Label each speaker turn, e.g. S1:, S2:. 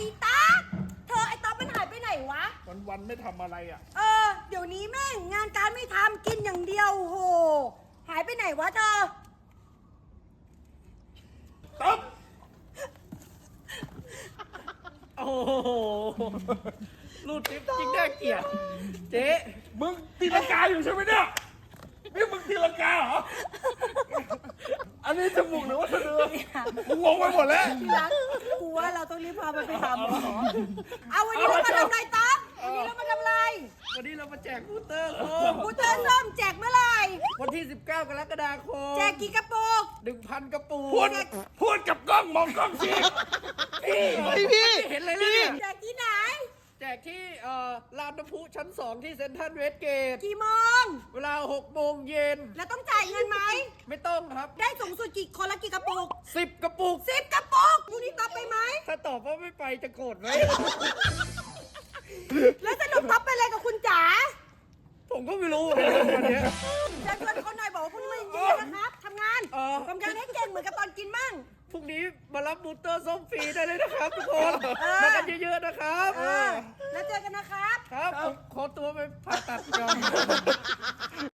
S1: ตั๊กเธอไอ้ตั๊กมันหายไปไหนวะ
S2: วันไม่ทำอะไรอ่ะ
S1: เดี๋ยวนี้แม่งงานการไม่ทำกินอย่างเดียวโหหายไปไหนวะเธอ
S2: ต๊อบ
S3: โอ้โหรูดทิปจริงน่าเกลียดเจ๊
S2: มึงตีลังกาอยู่ใช่ไหมเนี่ยนี่มึงตีลังกาเหรอ อันนี้จมูกหรือว่าสะดือมึงงงไปหมดแล้ว
S1: ที่รักกูว่าเราต้องรีบพามันไปทำเอาวันนี้เรามาทำอะไรตั๊กวันนี้เรามาทำอะไร
S3: วันนี้เรามาแจกบูสเตอร์โคม
S1: กูเตือนส้มแจกเมื่อไหร่
S3: วันที่ 19 กรกฎาคม
S1: แจกกี่กระปุก
S3: 1,000 กระปุก
S2: พูดกับกล้องมองกล้องสิพี่
S3: เห็นเลยนะเนี่ย
S1: แจกที่ไหน
S3: แจกที่ลานน้ำพุชั้น 2 ที่เซ็นทรัลเวสเกต
S1: กี่โมง
S3: เวลา 6 โมงเย็น
S1: แล้วต้องจ่ายเงินไหม
S3: ไม่ต้องครับ
S1: ได้สูงสุดกี่คนละกี่กระปุก
S3: 10 กระปุก
S1: 10 กระปุกพรุ่งนี้ต๊อบไปไหม
S3: ถ้าตอบว่าไม่ไปจะโกรธไหม
S1: แล้วสรุปต๊อบไปอะไรกับคุณจ๋า
S3: ผมก็ไม่รู้เหมือนกันวันเนี้ย
S1: จะชวนคนหน่อยบอกว่าพรุ่งนี้มาเย็นๆนะครับทำงาน ทำงานให้เก่งเหมือนกับตอนกินมั่ง
S3: พรุ่งนี้มารับบูสเตอร์ส้มฟรีได้เลยนะครับทุกคน มากันเยอะๆนะครับ
S1: แล้วเจอกันนะครับ
S3: ครับผมขอตัวไปผ่าตัดก่อน